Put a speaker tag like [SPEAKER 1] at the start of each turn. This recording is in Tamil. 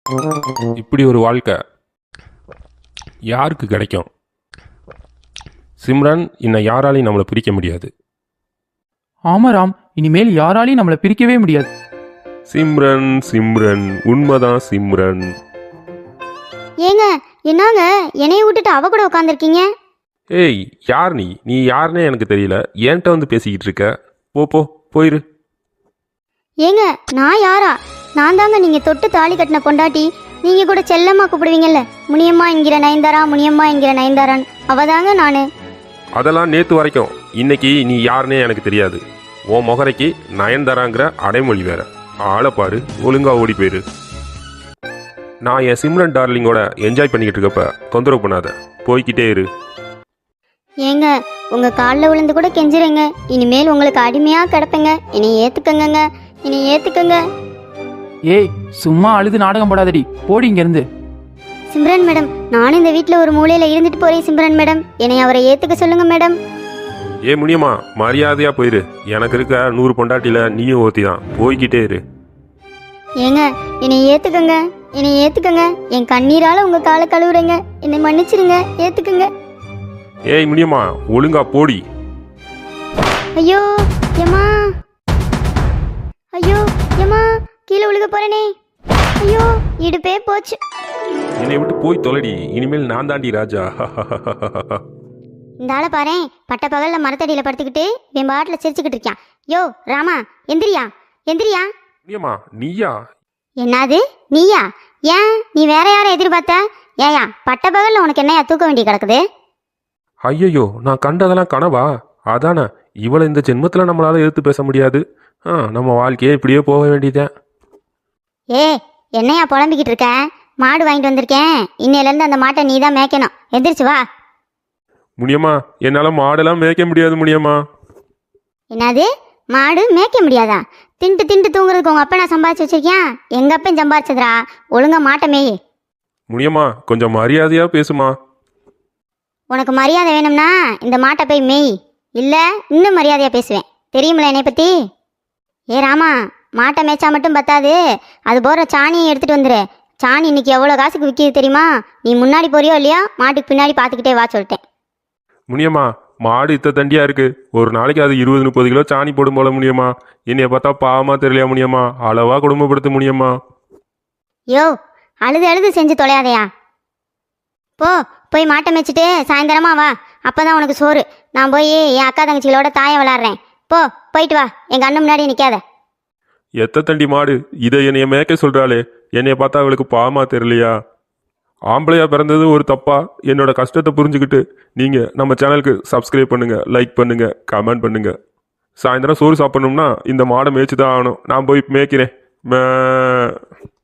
[SPEAKER 1] இப்படி ஒரு வாழ்க்கை யாருக்கு கிடைக்கும்? சிம்ரன், இன்னும் யாராலையும் நம்மளை பிரிக்க முடியாது.
[SPEAKER 2] ஆமா ராம், இனிமேல் யாராலையும் நம்மளை பிரிக்கவே முடியாது.
[SPEAKER 1] சிம்ரன் சிம்ரன் உண்மைதான் சிம்ரன்.
[SPEAKER 3] ஏங்க, என்னங்க என்னைய விட்டுட்டு அவ கூட உட்காந்துருக்கீங்க?
[SPEAKER 1] ஏய், யார் நீ? நீ யாருன்னே எனக்கு தெரியல. என்கிட்ட வந்து பேசிக்கிட்டு இருக்க. போ போயிரு.
[SPEAKER 3] ஏங்க, நான் யாரா? நான் தாங்க நீங்க தொட்டு தாலி கட்டின பொண்டாட்டி. நீங்க கூட செல்லம்மா கூப்பிடுவீங்கல்ல, முனியம்மா என்கிற நயன்தாரா, முனியம்மா என்கிற நயன்தாரான், அவதாங்க நானு.
[SPEAKER 1] அதெல்லாம் நேத்து வரைக்கும். இன்னைக்கு நீ யாருன்னே எனக்கு தெரியாது. உன் முகரைக்கு நயன்தாராங்கிற அடைமொழி வேற. ஆளை பாரு, ஒழுங்கா ஓடி போயிரு. நான் என் சிம்ரன் டார்லிங்கோட என்ஜாய் பண்ணிக்கிட்டு இருக்கப்ப தொந்தரவு பண்ணாத, போய்கிட்டே இரு.
[SPEAKER 3] ஏங்க, உங்க காலில் விழுந்து கூட கெஞ்சுறேங்க. இனிமேல் உங்களுக்கு அடிமையா கிடப்பேங்க. என்னை ஏத்துக்கங்க, என்னை ஏத்துக்கங்க.
[SPEAKER 2] ஏய், சும்மா அழுது நாடகம் போடாதடி, போடி இங்க இருந்து.
[SPEAKER 3] சிம்ரன் மேடம், நானும் இந்த வீட்டில் ஒரு மூலையில இருந்துட்டு போறேன். சிம்ரன் மேடம், என்னை அவரை ஏத்துக்க சொல்லுங்க மேடம்.
[SPEAKER 1] ஏ முனியம்மா, மரியாதையா போயிரு. எனக்கு இருக்க 100 பொண்டாட்டில நீயும் ஓத்தி தான். போய்கிட்டே இரு.
[SPEAKER 3] ஏங்க, என்னை ஏத்துக்கங்க, என்னை ஏத்துக்கங்க. என் கண்ணீரால உங்க காலை கழுவுறேங்க. என்னை மன்னிச்சிருங்க, ஏத்துக்குங்க.
[SPEAKER 1] ஏய் முனியம்மா, ஒழுங்கா போடி.
[SPEAKER 3] ஐயோ ஏமா, ஐயோ ஏமா, கீழே விழுக போறேனே. ஐயோ, இடுப்பே போச்சு.
[SPEAKER 1] என்னை விட்டு போய் தொலைடி. இனிமேல் நான் தாண்டி ராஜா.
[SPEAKER 3] இந்த ஆளை பாரேன், பட்ட பகல்ல மரத்தடியில படுத்துக்கிட்டு என் பாட்டில் சிரிச்சுக்கிட்டு இருக்கான். யோ ராமா, எந்திரியா எந்திரியா.
[SPEAKER 1] முனியம்மா, நீயா?
[SPEAKER 3] என்னது நீயா? ஏன், நீ வேற யாரை எதிர்பார்த்த? ஏயா, பட்ட பகல்ல உனக்கு என்னையா தூக்க வேண்டி கிடக்குது?
[SPEAKER 1] ஐயோ, நான் கண்டதெல்லாம் கனவா? அதானே, இவளை இந்த ஜென்மத்தில் நம்மளால எதிர்த்து பேச முடியாது. நம்ம வாழ்க்கையே இப்படியே போக வேண்டியதேன்.
[SPEAKER 3] ஏ, என்னையா புலம்பிக்கிட்டு இருக்க? மாடு வாங்கிட்டு வந்திருக்கேன். இன்னையிலேருந்து அந்த மாட்டை நீ தான் மேய்க்கணும். எந்திரிச்சு வா.
[SPEAKER 1] முனியம்மா, என்னால் மாடெல்லாம் மேய்க்க முடியாது முனியம்மா.
[SPEAKER 3] என்னது, மாடு மேய்க்க முடியாதா? திண்டு திண்டு தூங்குறதுக்கு உங்க அப்பா நான் சம்பாதிச்சு வச்சிருக்கேன். எங்க அப்பன் சம்பாதிச்சதுரா. ஒழுங்கா மாட்டை மேய்.
[SPEAKER 1] முனியம்மா, கொஞ்சம் மரியாதையா பேசுமா.
[SPEAKER 3] உனக்கு மரியாதை வேணும்னா இந்த மாட்டை போய் மேய். இல்லை, இன்னும் மரியாதையாக பேசுவேன். தெரியுமில்ல என்னை பற்றி? ஏ ராமா, மாட்டை மேய்ச்சா மட்டும் பத்தாது, அது போகிற சாணியை எடுத்துகிட்டு வந்துரு. சாணி இன்னைக்கு எவ்வளோ காசுக்கு விற்கிது தெரியுமா? நீ முன்னாடி போறியோ இல்லையா, மாட்டுக்கு பின்னாடி பார்த்துக்கிட்டே வா சொல்லிட்டேன்.
[SPEAKER 1] முனியம்மா, மாடு இத்த தண்டியா இருக்கு. ஒரு நாளைக்கு அது 20-30 கிலோ சாணி போடும் போல முனியம்மா. என்னைய பார்த்தா பாவமா தெரியலையா முனியம்மா? அளவா குடும்பப்படுத்து முனியம்மா.
[SPEAKER 3] யோ, அழுது அழுது செஞ்சு தொலையாதையா. போய் மாட்டை மேய்ச்சிட்டு சாயந்தரமா வா. அப்போதான் உனக்கு சோறு. நான் போய் என் அக்கா தங்கச்சிகளோட தாயை விளாட்றேன். போயிட்டு வா. எங்கள் அண்ணன் முன்னாடி நிற்காத.
[SPEAKER 1] எத்த தண்டி மாடு இதை என்னைய மேய்க்க சொல்றாளே, என்னைய பார்த்தா அவளுக்கு பாவமா தெரியலையா? ஆம்பளையா பிறந்தது ஒரு தப்பா? என்னோட கஷ்டத்தை புரிஞ்சுக்கிட்டு நீங்க நம்ம சேனலுக்கு சப்ஸ்கிரைப் பண்ணுங்க, லைக் பண்ணுங்க, கமெண்ட் பண்ணுங்க. சாயந்தரம் சோறு சாப்பிடணும்னா இந்த மாடை மேய்ச்சி தான் ஆகணும். நான் போய் மேய்க்கிறேன்.